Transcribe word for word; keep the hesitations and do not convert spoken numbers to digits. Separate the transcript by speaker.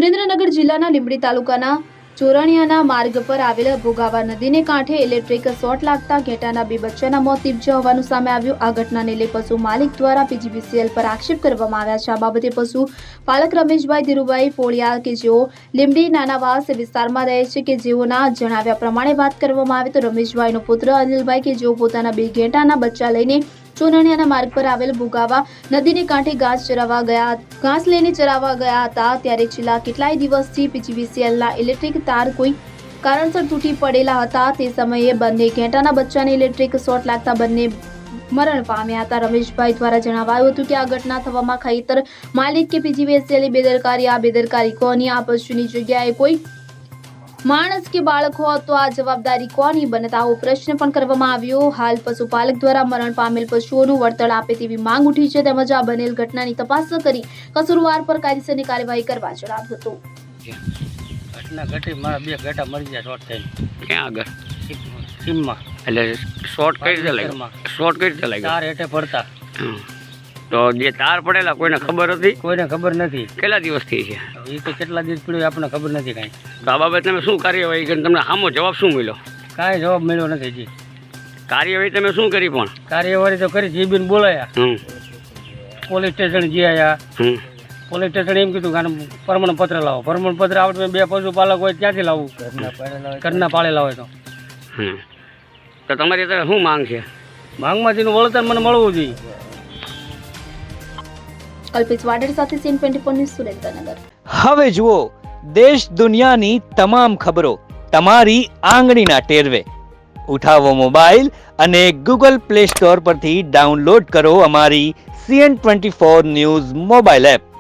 Speaker 1: સુરેન્દ્રનગર જિલ્લાના લીંબડી તાલુકાના ચોરણિયાના માર્ગ પર આવેલ ભોગાવા નદીને કાંઠે ઇલેક્ટ્રિક શોર્ટ લાગતા ઘેટાના બે બચ્ચાના મોત નીપજ્યા હોવાનું સામે આવ્યું। આ ઘટનાને લઈ પશુ માલિક દ્વારા પીજીવીસીએલ પર આક્ષેપ કરવામાં આવ્યા છે। આ બાબતે પશુ પાલક રમેશભાઈ ધીરુભાઈ ફોળિયા કે જેઓ લીંબડી નાનાવાસ વિસ્તારમાં રહે છે કે જેઓના જણાવ્યા પ્રમાણે વાત કરવામાં આવે તો રમેશભાઈનો પુત્ર અનિલભાઈ કે જેઓ પોતાના બે ઘેટાના બચ્ચા લઈને ચોરણિયાના માર્ગ પર આવેલ ભોગાવા નદીને કાંઠે ઘાસ ચરાવવા ગયા ઘાસ લઈને ચરાવવા ગયા હતા ત્યારે છેલ્લા કેટલાય દિવસથી પીજીવીસીએલના ઇલેક્ટ્રિક તાર કોઈ કારણસર તૂટી પડેલા હતા। તે સમયે બંને ઘેટાના બચ્ચાને ઇલેક્ટ્રિક શોર્ટ લાગતા બંને મરણ પામ્યા હતા। રમેશભાઈ દ્વારા જણાવાયું હતું કે આ ઘટના થવામાં ખેતર માલિક કે પીજીવીસીએલની બેદરકારી આ બેદરકારી કોની આ પશુની જગ્યાએ કોઈ માણસ કે બાળક હોત તો આ જવાબદારી કોની બનત આવો પ્રશ્ન પણ કરવામાં આવ્યો। હાલ પશુપાલક દ્વારા મરણ પામેલ પશુઓનું વળતર આપે તેવી માંગ ઉઠી છે તેમજ આ બનેલ ઘટનાની તપાસ કરી કસૂરવાર પર કાયદેસરની કાર્યવાહી કરવા જણાવ્યું હતું।
Speaker 2: ઘટના ઘટી મારા બે ઘેટા મરી ગયા શોર્ટ થઈને
Speaker 3: ક્યાં આગળ
Speaker 2: સીમમાં
Speaker 3: એટલે શોર્ટ કઈ રીતે લાગ્યો શોર્ટ કઈ રીતે લાગ્યો
Speaker 2: તાર હેઠે પડતા
Speaker 3: તો જે તાર પડેલા કોઈને ખબર હતી
Speaker 2: કોઈને ખબર નથી
Speaker 3: કેટલા દિવસથી છે
Speaker 2: એ તો કેટલા દિવસ પડ્યું આપણને ખબર નથી કાંઈ
Speaker 3: તો આ બાબતે તમે શું કાર્યવાહી કરી તમને સામો જવાબ શું મળ્યો
Speaker 2: કાંઈ જવાબ મળ્યો નથી જી
Speaker 3: કાર્યવાહી તમે શું કરી પણ
Speaker 2: કાર્યવાહી તો કરી જીબીને બોલાયા
Speaker 3: હમ
Speaker 2: પોલીસ સ્ટેશન જી આવ્યા
Speaker 3: હમ
Speaker 2: પોલીસ સ્ટેશન એમ કીધું કે પ્રમાણપત્ર લાવો પ્રમાણપત્ર આવડે બે પશુપાલક હોય ત્યાંથી લાવવું ઘરના પાળેલા હોય તો
Speaker 3: હમ તો તમારી અત્યારે શું માંગ છે
Speaker 2: માંગમાંથી વળતર મને મળવું જોઈએ।
Speaker 1: કલ્પિત વાડેર સાથે CN twenty four news Surendranagar.
Speaker 4: હવે જુઓ દેશ દુનિયાની તમામ ખબરો તમારી આંગળીના ટેરવે। ઉઠાવો મોબાઈલ અને ગૂગલ પ્લે સ્ટોર પરથી ડાઉનલોડ કરો અમારી CN twenty four news mobile app.